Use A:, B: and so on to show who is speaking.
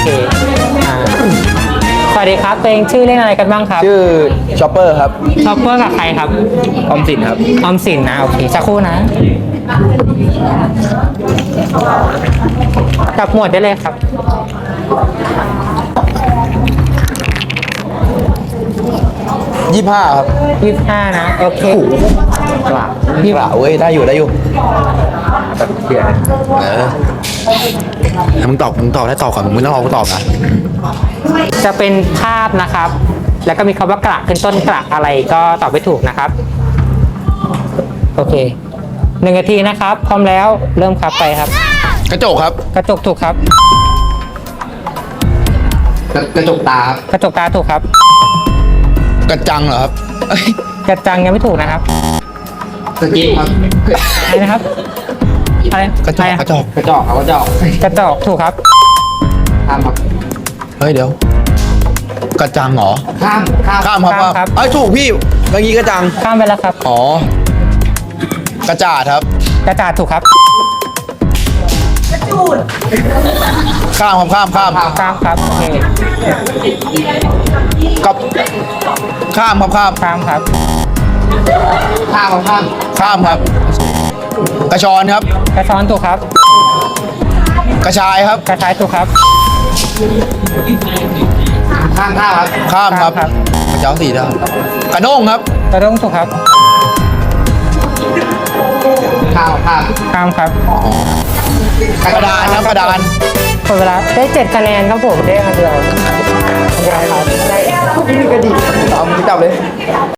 A: เคอ่าสวัสดีครับตัวเองชื่อเล่นอะไรกันบ้างครับ
B: ชื่อชอปเปอร์ครับ
A: ชอปเปอร์กับใครครับ
B: ออมสินครับ
A: ออมสินนะโอเคสักครู่นะจับหมวดได้เลยครับ
B: 25 ครับ
A: 25นะโอเค
B: กล่าเว้ยได้อยู่เขียนมึงตอบได้ตอบก่อนมึงไม่ต้องรอกูตอบนะ
A: จะเป็นภาพนะครับ แล้วก็มีคำว่ากระขึ้นต้นกระอะไรก็ตอบไม่ถูกนะครับโอเค1 นาทีนะครับพร้อมแล้วเริ่มครับไปครับ
B: กระจกครับ
A: กระจกถูกครับ
B: กระจกตาครับ
A: กระจกตาถูกครับ
B: กระจังเหรอครับ
A: กระจังยังไม่ถูกนะครับ
B: สกิปครับ
A: อะไรนะครับอะไร
B: กระจ
A: อะไร
B: ก
A: อะ
B: กระจกครับกระจก
A: กระจกถูกครับ
B: ข้ามครับเฮ้ยเดี๋ยวกระจังเหรอข้ามครับเอ้ยถูกพี่เมื่อกี้กระจัง
A: ข้ามไปแล้วครับ
B: อ๋อกระจาดครับ
A: กระจาดถูกครับ
B: ข้ามครับข้าม
A: ข้ามครับโอเค
B: กับข้ามครับ
A: ข้ามครับ
B: ข้ามครับ กระชอนครับ
A: กระช้อนถูกครับ
B: กระชายครับ
A: กระชายถูกครับ
B: ข้ามครับกระเจ้าสี่ได้กระด้งครับ
A: กระด้งถูกครับ
B: ข้าม
A: ข้ามครับ
B: กระดานครับกระดาน
A: หมดเวลาได้7 คะแนนครับผมได้อันเดียวครับ
B: เอามือจับเลย